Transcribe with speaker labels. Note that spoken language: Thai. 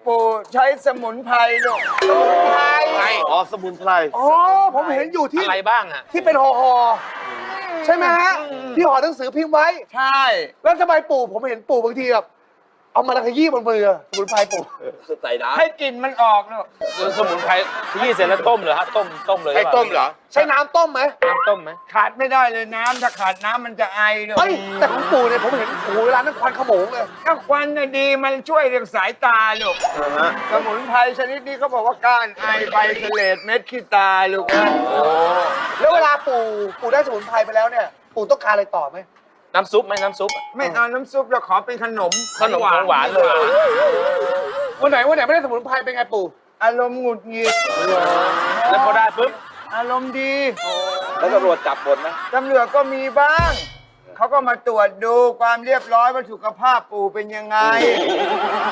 Speaker 1: ปู่ใช้สมุนไพรลูกสมุนไพร
Speaker 2: อ๋อสมุนไพร
Speaker 3: อ๋อผมเห็นอยู่ที่
Speaker 4: อะไรบ้างอ่ะ
Speaker 3: ที่เป็นห่อใช่ไหมฮะที่ห่อหนังสือพิมพ์ไว้
Speaker 1: ใช่
Speaker 3: แล้วทำไมปู่ผมเห็นปู่บางทีแบบเอามาขยี้บนมือสมุนไพรปู่
Speaker 2: ใส่น้
Speaker 1: ให้กลิ่นมันออกลูก
Speaker 4: สมุนไพรที่เสร็จแล้วต้มเหรอฮะต้มเลย
Speaker 2: ำให้ต้มเหรอ
Speaker 3: ใช้น้ำต้มไหม
Speaker 4: น้ำต้มไหม
Speaker 1: ขาดไม่ได้เลยน้ำถ้าขาดน้ำมันจะไอลูก
Speaker 3: เฮ้ยแต่ของปู่เนี่ยผมเห็นโอ้โหเวลานั้นควันขโมงเลย
Speaker 1: ถ้าควันน่ะดีมันช่วยเรื่องสายตาลูกสมุนไพรชนิดนี้เขาบอกว่าก้านไอใบเสลดเม็ดขี้ตาลูกนะ
Speaker 3: แล้วเวลาปู่ได้สมุนไพรไปแล้วเนี่ยปู่ต้องการอะไรต่อไหม
Speaker 4: น้ำซุปไหมน้ำซุป
Speaker 1: ไม่เอาน้ำซุปเราขอเป็นขนม
Speaker 4: ขนมของหวานเลย
Speaker 3: วันไหนไม่ได้สมุนไพรเป็นไงปู่
Speaker 1: อารมณ์หงุดหงิด
Speaker 4: แล้วพอได้ปุ๊บ
Speaker 1: อารมณ์ดี
Speaker 2: แล้วตำรวจจับหมดไหม
Speaker 1: ตำรวจก็มีบ้าง เขาก็มาตรวจดูความเรียบร้อยว่าสุขภาพปู่เป็นยังไง